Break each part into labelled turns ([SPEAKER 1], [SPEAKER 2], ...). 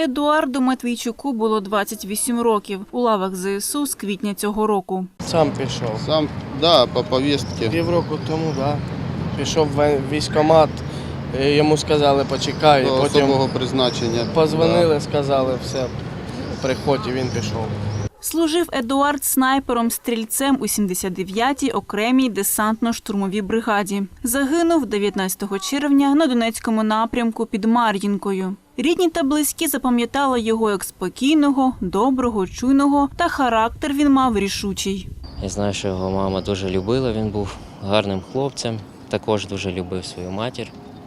[SPEAKER 1] Едуарду Матвійчуку було 28 років. У лавах ЗСУ з квітня цього року.
[SPEAKER 2] Сам пішов.
[SPEAKER 3] Сам, да, по повістці.
[SPEAKER 2] Півроку тому, да. Пішов в військкомат, йому сказали почекай,
[SPEAKER 3] До
[SPEAKER 2] потім
[SPEAKER 3] особого призначення.
[SPEAKER 2] позвонили, сказали все, приходь, і він пішов.
[SPEAKER 1] Служив Едуард снайпером-стрільцем у 79-й окремій десантно-штурмовій бригаді. Загинув 19 червня на Донецькому напрямку під Мар'їнкою. Рідні та близькі запам'ятали його як спокійного, доброго, чуйного, та характер він мав рішучий.
[SPEAKER 4] Я знаю, що його мама дуже любила, він був гарним хлопцем, також дуже любив свою матір,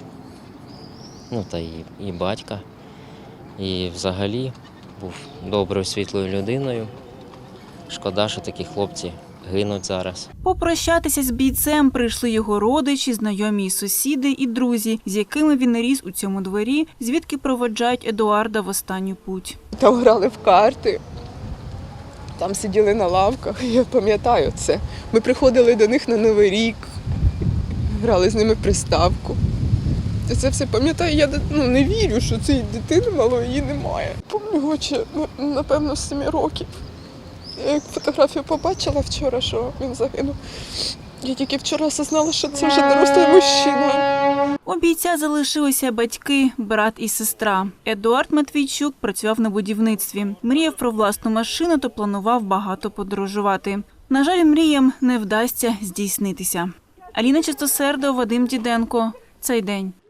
[SPEAKER 4] та і батька. І взагалі був доброю, світлою людиною. Шкода, що такі хлопці гинуть зараз.
[SPEAKER 1] Попрощатися з бійцем прийшли його родичі, знайомі й сусіди і друзі, з якими він ріс у цьому дворі, звідки проводжають Едуарда в останню путь.
[SPEAKER 5] Там грали в карти, там сиділи на лавках, я пам'ятаю це. Ми приходили до них на Новий рік, грали з ними в приставку. Я це все пам'ятаю, я не вірю, що цієї дитини малої її немає. Пам'ятаю його ще, напевно, з 7 років. Я як фотографію побачила вчора, що він загинув. Я тільки вчора осознала, що це вже дорослий мужчина.
[SPEAKER 1] У бійця залишилися батьки, брат і сестра. Едуард Матвійчук працював на будівництві. Мріяв про власну машину та планував багато подорожувати. На жаль, мріям не вдасться здійснитися. Аліна Чистосердова, Вадим Діденко. Цей день.